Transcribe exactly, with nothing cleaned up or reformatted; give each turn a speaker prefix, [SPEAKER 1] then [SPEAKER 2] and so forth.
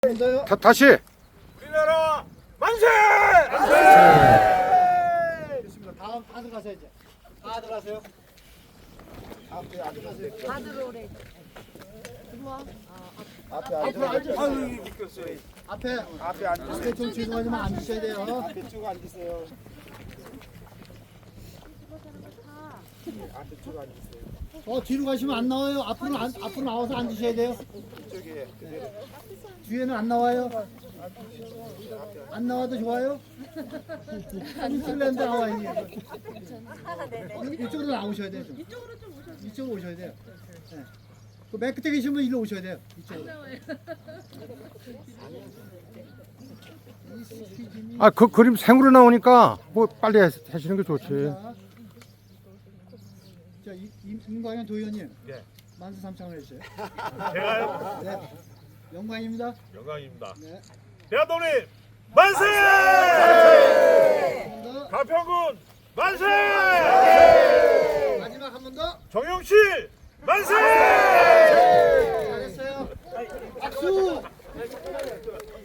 [SPEAKER 1] 다, 다시.
[SPEAKER 2] 우리나라 만세! 만세!
[SPEAKER 3] 좋습니다. 다음 다 들어가세요 이제. 다 들어가세요. 앞에 안 들어가세요.
[SPEAKER 4] 다 들어오래. 들어와.
[SPEAKER 3] 앞에 앞으로 앉으세요.
[SPEAKER 2] 아유 미끄러워요.
[SPEAKER 3] 앞에
[SPEAKER 2] 앞에 앉으세요.
[SPEAKER 3] 앞에 좀 죄송하지만 앉으셔야 돼요.
[SPEAKER 2] 앞에 쭉 앉으세요. 앞에 쭉 앉으세요.
[SPEAKER 3] 어 뒤로 가시면 안 나와요. 앞으로 안, 앞으로 나와서 앉으셔야 돼요.
[SPEAKER 2] 이쪽에 그대로.
[SPEAKER 3] 뒤에는 안 나와요. 안 나와도 좋아요. 슬렌더 나와 있니? 이쪽으로 나오셔야 돼요. 좀. 이쪽으로 좀 오셔야 돼요. 이쪽으로 오셔야 돼요. 네. 그맨 끝에 계신 분 일로 오셔야 돼요. 이쪽으로.
[SPEAKER 1] 아, 그 그림 생으로 나오니까 뭐 빨리 하- 하시는 게 좋지.
[SPEAKER 3] 자, 자 이- 임- 임광현 도의원님.
[SPEAKER 2] 네.
[SPEAKER 3] 만세 삼창을 해주세요.
[SPEAKER 2] 제가요?
[SPEAKER 3] 네. 영광입니다.
[SPEAKER 2] 영광입니다.
[SPEAKER 3] 네.
[SPEAKER 2] 대한독립 만세!
[SPEAKER 3] 감사합니다.
[SPEAKER 2] 가평군 만세!
[SPEAKER 3] 마지막 한 번 더.
[SPEAKER 2] 정영실 만세!